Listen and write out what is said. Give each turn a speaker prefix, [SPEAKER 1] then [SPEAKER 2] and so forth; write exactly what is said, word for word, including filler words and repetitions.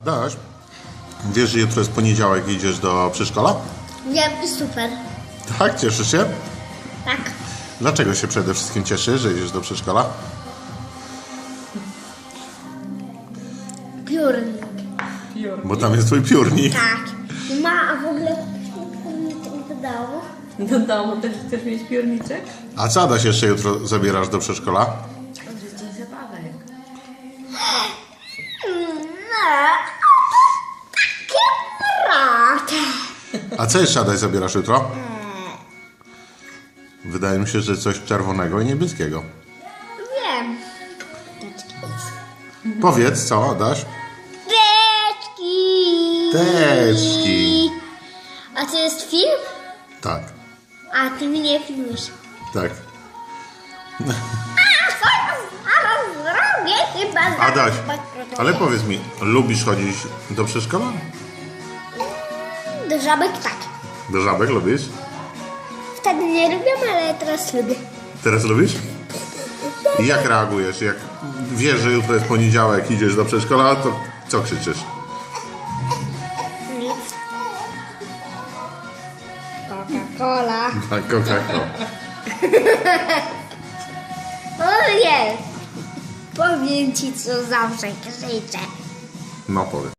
[SPEAKER 1] Daś, wiesz, że jutro jest poniedziałek i idziesz do przedszkola?
[SPEAKER 2] Wiem i super.
[SPEAKER 1] Tak, cieszysz się?
[SPEAKER 2] Tak.
[SPEAKER 1] Dlaczego się przede wszystkim cieszysz, że idziesz do przedszkola?
[SPEAKER 2] Piórnik.
[SPEAKER 1] Bo tam jest twój piórnik.
[SPEAKER 2] Tak. Ma, a w ogóle piórnik do domu.
[SPEAKER 3] Do domu też chcesz mieć piórniczek?
[SPEAKER 1] A co, Adaś, jeszcze jutro zabierasz do przedszkola?
[SPEAKER 3] Dzień zabawek.
[SPEAKER 2] No, takie mrocze.
[SPEAKER 1] A co jeszcze, Adaś, zabierasz jutro? Wydaje mi się, że coś czerwonego i niebieskiego.
[SPEAKER 2] Wiem.
[SPEAKER 1] Powiedz, co, Adaś?
[SPEAKER 2] Teczki.
[SPEAKER 1] Teczki.
[SPEAKER 2] A to jest film?
[SPEAKER 1] Tak,
[SPEAKER 2] A ty mnie filmisz.
[SPEAKER 1] tak.
[SPEAKER 2] Zaraz zrobię chyba.
[SPEAKER 1] Adaś, ale powiedz mi, lubisz chodzić do przedszkola?
[SPEAKER 2] Do żabek tak.
[SPEAKER 1] Do żabek lubisz?
[SPEAKER 2] Wtedy nie lubiłam, ale teraz lubię.
[SPEAKER 1] Teraz lubisz? I jak reagujesz? Jak wiesz, że jutro jest poniedziałek, idziesz do przedszkola, to co krzyczysz?
[SPEAKER 2] Nic. Coca-Cola.
[SPEAKER 1] Tak, Coca-Cola.
[SPEAKER 2] O nie. Powiem ci, co zawsze krzyczę.
[SPEAKER 1] No powiedz.